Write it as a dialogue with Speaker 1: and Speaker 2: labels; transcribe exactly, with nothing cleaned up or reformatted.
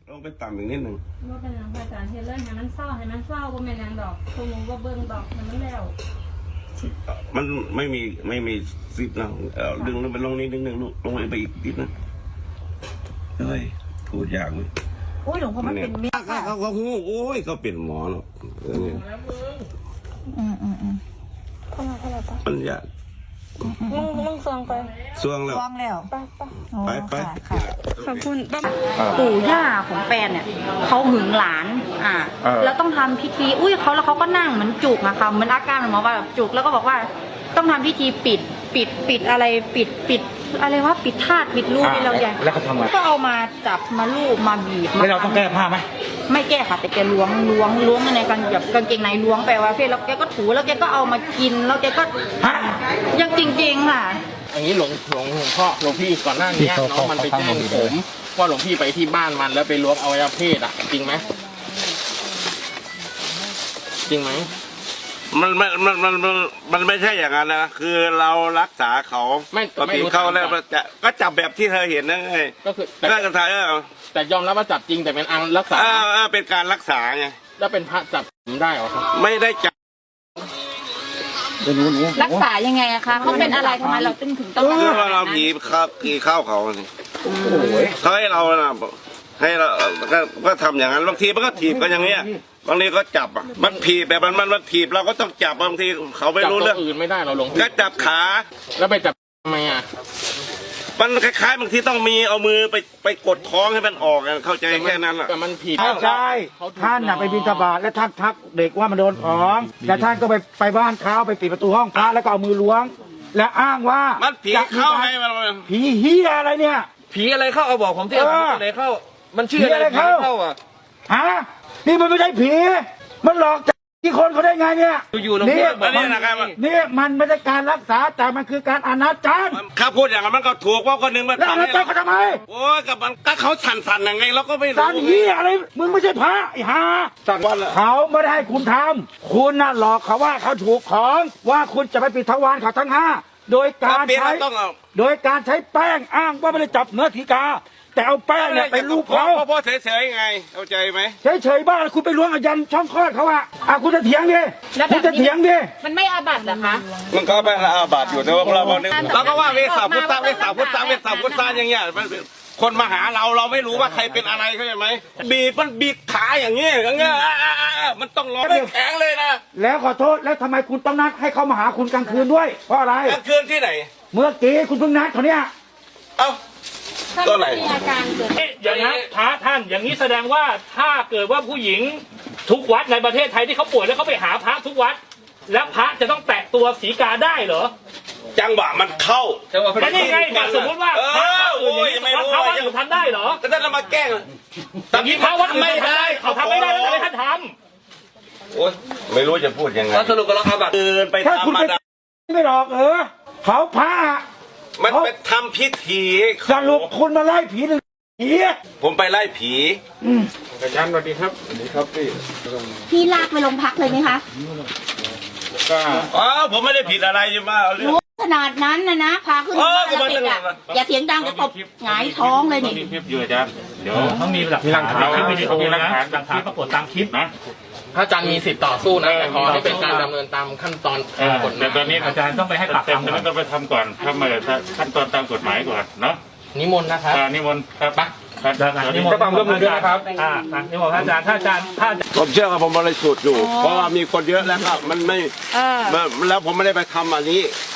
Speaker 1: ลงไปต่ำอีกนิดหนึ่ง
Speaker 2: ว่าเป็นอย่างอาจารย์เทเลอร์ให้มันเศร้าให้มันเศร้าก็ไม่นางดอกคงว่าเบิ้งดอกให้มันแล้ว
Speaker 1: มันไม่มีไม่มีซิปนะเออดึงลงไปลงนิดนึงลงลงไปอีกนิดนึงเฮ้ยพูดยากเลย
Speaker 3: โอ้ยหลวงพ่อมันเป็นเมีย
Speaker 1: เขาเขาเขาโอ้ยเขาเป็นหมอเนาะ
Speaker 3: อืมอืมอืมเข้ามาเข้ามาปะ
Speaker 1: มันยาก
Speaker 2: มึงมึงซองไป
Speaker 1: ซวงแล้ว
Speaker 3: ซองแล้ว
Speaker 1: ไปไป
Speaker 2: ขอบคุณ
Speaker 4: ปู่ย่าของแฟนเนี่ยเขาหึงหลานอ่าแล้วต้องทำพิธีอุ้ยเขาแล้วเขาก็นั่งเหมือนจุกนะคะเหมือนอาการหมอว่าแบบจุกแล้วก็บอกว่าต้องทำพิธีปิดปิดปิดอะไรปิดปิดอะไรว่าปิดธาตุปิดรูปนี่เราใหญ่
Speaker 5: แล้วเขาทำไง
Speaker 4: ก็เอามาจับมาลูบมาบีบ
Speaker 5: แล้วเราต้องแก้ผ้าไหม
Speaker 4: ไม่แก้ค่ะแต่แกล้วงล้วงล้วงในกางแบบกางเกงในล้วงไปว่าเฟ่แล้วแกก็ถูแล้วแกก็เอามากินแล้วแกก็ยังจริงๆค่ะ
Speaker 6: อย่างนี้หลวงหลวงหลวงพ่อหลวงพี่ก่อนหน้านี้น้องมันไปแจ้งผมว่าหลวงพี่ไปที่บ้านมันแล้วไปล้วงอวัยวะเพศอ่ะจริงไหมจริงไหม
Speaker 1: มันมันมันมันมันไม่ใช่อย่างนั้นนะคือเรารักษาเขา
Speaker 6: ไม่
Speaker 1: ไม่รู้เขาแล้วจะก็จับแบบที่เธอเห็นนั่นไง
Speaker 6: ก็คือ
Speaker 1: ก็กระทายเออ
Speaker 6: แต่ยอมรับว่าจับจริงแต่เป็นอังรักษา
Speaker 1: เออเป็นการรักษาไง
Speaker 6: แล้วเป็นพระจับได้หรอครับ
Speaker 1: ไม่ได้จับ
Speaker 4: รักษายังไงอะคะเขาเป็นอะไรทำไมเราถึงถึงต้องรักษา
Speaker 1: เราผีข้าวผีข้าวเขาเขาให้เราให้เราก็ทำอย่างนั้นบางทีมันก็ถีบกันอย่างเงี้ยบางทีก็จับอ่ะมันถีบแบบมันมันมันถีบเราก็ต้องจับบางทีเขาไม่รู้เรื่อง
Speaker 6: อื่นไม่ได้เราลง
Speaker 1: ก็จับขา
Speaker 6: แล้วไปจับทำไมอ่ะ
Speaker 1: มันคล้ายๆบางทีต้องมีเอามือไปไปกดท้องให้มันออกกันเข้าใจแค่นั้นแหละ
Speaker 6: แต่มันผิด
Speaker 5: ใช่ท่านน่ะไปบิณฑบาตและท่านทักเด็กว่ามันโดนของแล้วท่านก็ไปไปบ้านเขาไปปิดประตูห้องพระแล้วก็เอามือล้วงและอ้างว่า
Speaker 1: มันผีเข้าให้มัน
Speaker 5: ผีเฮียอะไรเนี่ย
Speaker 6: ผีอะไรเข้าเอาบอกผมที่ผีอะไรเข้ามันชื่ออะไรเข้าอ่ะ
Speaker 5: ฮะนี่มันไม่ใช่ผีมันหลอกที่คนเขาได้ไงเนี่ย
Speaker 6: อยู่ๆ
Speaker 5: นี่
Speaker 1: นี่นะครับ
Speaker 5: นี่มันไม่ใช่การรักษาแต่มันคือการอนาจาร
Speaker 1: ข้าพูดอย่างนั้นมันก็ถูกว่าคนหนึ่งมัน
Speaker 5: แล้วอนาจารเขาทำไม
Speaker 1: โอ้ยกับมันก็เขาสั่นๆยังไงเราก็ไม่รู้
Speaker 5: สั่นเหี้ยอะไรมึงไม่ใช่พระไอ้ห่าสั่นว่าเขาไม่ได้ให้คุณทำคุณน่ะหลอกเขาว่าเขาถูกของว่าคุณจะไปปิดทวารเขาทั้งห้าโดยการใช้โดยการใช้แป้งอ้างว่าไม่ได้จับเนื้อถีกาแต่เอาแป้งเนี่ยไปลูบเขา
Speaker 1: พ่อเฉยๆไงเข้าใจไหม
Speaker 5: เฉยๆบ้าคุณไปล้วงอายันช่องคลอดเขาอะอ่ะคุณจะเถียงดิคุณจะเถียงดิ
Speaker 4: มันไม่อาบัติเหรอคะ
Speaker 1: มันก็เป็นอาบัติอยู่แต่ว่าเราเราก็ว่าเวสาพุทธะเวสาพุทธะเวสาพุทธะอย่างเงี้ยคนมาหาเราเราไม่รู้ว่าใครเป็นอะไรเข้าใจไหมบีบมันบีบขาอย่างเงี้ยอย่างเงี้ยมันต้องร้อนแข็งเลยนะ
Speaker 5: แล้วขอโทษแล้วทำไมคุณต้องนัดให้เขามาหาคุณกลางคืนด้วยเพราะอะไร
Speaker 1: กลางคืนที่ไหน
Speaker 5: เมื่อกี้คุณเพิ่งนัดเขาเนี่ย
Speaker 1: เอ้า
Speaker 4: ก็ไหน
Speaker 7: อย่างนั้นพระท่านอย่างนี้แสดงว่าถ้าเกิดว่าผู้หญิงทุกวัดในประเทศไทยที่เขาป่วยแล้วเขาไปหาพระทุกวัดแล้วพระจะต้องแตะตัวศรีกาได้เหรอ
Speaker 1: จังหวะมันเข้า
Speaker 7: แต่นี่ไงสมมติว่าพระอื่นอย่างนี้พระวัดอื่นทำได้เหรอ
Speaker 1: แต่ท่านมาแกล้ง
Speaker 7: อย่างนี้พระวัดไม่ได้เขาทำไม่ได้แล้วทำไมท่านท
Speaker 1: ำโอ้ยไม่รู้จะพูดยังไง
Speaker 6: สรุปก็เราอาบัติ
Speaker 1: เดินไปทำมาได้
Speaker 5: ไม่หรอกเออเขาพระ
Speaker 1: มันเป็นทำพิธี
Speaker 5: สรุปคุณมาไล่ผีหรือผี
Speaker 1: ผมไปไล่ผี
Speaker 6: อาจารย์สวัสดีครับสวัสดีครับพี่
Speaker 4: พี่ลากไปโรงพักเลยไหมคะ
Speaker 1: ก็อ๋อผมไม่ได้ผิดอะไรใช่ไหม
Speaker 4: รู้ขนาดนั้นนะนะพาขึ้นมาแล้วติดอ่ะอย่าเสียงดังจะตบหงายท้องเลยนี่
Speaker 7: คลิปอยู่อาจารย์เดี๋ยวต้องมีหลักฐานเราไม่ได้มีหลักฐานหลักฐานปรากฏตามคลิปนะ
Speaker 6: พระอาจารย์มีสิทธิ์ต่อสู้นะแต่ขอให้เป็นการดำเนินตามขั้นตอนกฎหมาย
Speaker 7: แต่ตอนนี้อาจารย์ต้องไปให้ปากคำ
Speaker 5: แต่ต้องไปทำก่อนทำมาขั้นตอนตามกฎหมายก่อนเนาะ
Speaker 6: นิมนต์นะครับ
Speaker 5: นิมนต์ครับ
Speaker 6: ปะ
Speaker 7: นิมนต์ความร่วมมือด้วยนะครับอ่านิมนต์อาจารย์ถ้าอาจารย์ถ้า
Speaker 1: ผมเชื่อว่าผมบริสุทธิ์อยู่เพราะว่ามีคนเยอะแล้วครับมันไม่แล้วผมไม่ได้ไปทำอันนี้